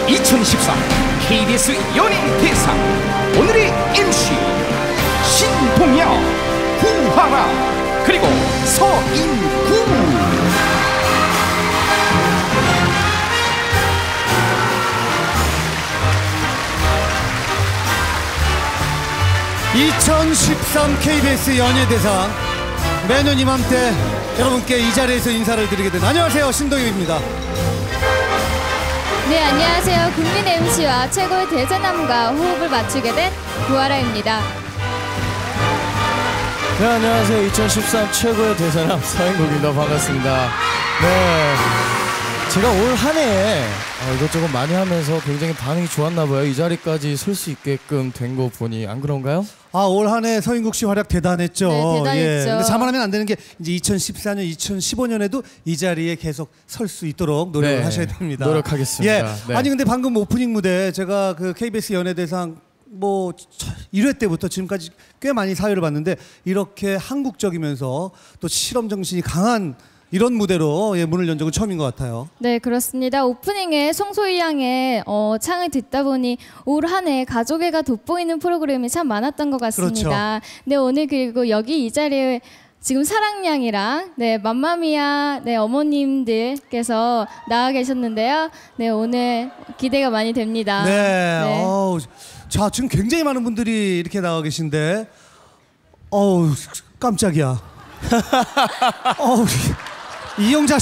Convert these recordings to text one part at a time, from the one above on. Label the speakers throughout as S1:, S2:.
S1: 2013 KBS 연예대상 오늘의 MC 신동엽, 구하라 그리고 서인구.
S2: (2013) KBS 연예대상 매년 이맘때 여러분께 이 자리에서 인사를 드리게 된 안녕하세요, 신동엽입니다.
S3: 네, 안녕하세요. 국민 MC와 최고의 대전남과 호흡을 맞추게 된 구하라입니다.
S4: 네, 안녕하세요. 2013 최고의 대전남 서인국입니다. 반갑습니다. 네, 제가 올 한 해에 이것저것 많이 하면서 굉장히 반응이 좋았나 봐요. 이 자리까지 설 수 있게끔 된 거 보니 안 그런가요?
S2: 올 한 해 서인국 씨 활약 대단했죠.
S3: 네, 대단했죠.
S2: 근데 자만하면 안 되는 게 이제 2014년, 2015년에도 이 자리에 계속 설 수 있도록 노력을 하셔야 됩니다.
S4: 노력하겠습니다. 네.
S2: 아니 근데 방금 오프닝 무대 제가 그 KBS 연예대상 뭐 1회 때부터 지금까지 꽤 많이 사회를 봤는데 이렇게 한국적이면서 또 실험 정신이 강한 이런 무대로 문을 연 적은 처음인 것 같아요.
S3: 네, 그렇습니다. 오프닝에 송소희 양의 창을 듣다 보니 올 한 해 가족애가 돋보이는 프로그램이 참 많았던 것 같습니다.
S2: 그렇죠.
S3: 네, 오늘 그리고 여기 이 자리에 지금 사랑양이랑 맘마미아 어머님들께서 나와 계셨는데요. 네, 오늘 기대가 많이 됩니다.
S2: 네. 자, 지금 굉장히 많은 분들이 이렇게 나와 계신데 깜짝이야. 이영자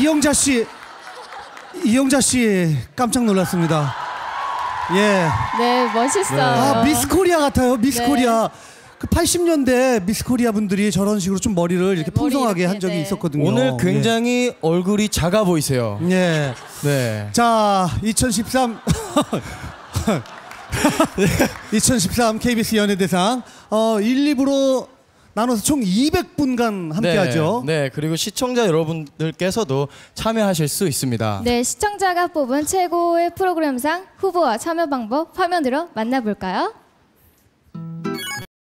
S2: 씨 깜짝 놀랐습니다. 예.
S3: 네, 멋있어요.
S2: 미스 코리아 같아요. 미스 코리아. 그 80년대 미스 코리아 분들이 저런 식으로 좀 머리를 이렇게 풍성하게 한 적이 있었거든요.
S4: 오늘 굉장히 얼굴이 작아 보이세요.
S2: 네.
S4: 네.
S2: 자, 2013 2013 KBS 연예대상 1, 2부로 나눠서 총 200분간 함께하죠.
S4: 네, 그리고 시청자 여러분들께서도 참여하실 수 있습니다.
S3: 네, 시청자가 뽑은 최고의 프로그램상 후보와 참여 방법 화면으로 만나볼까요?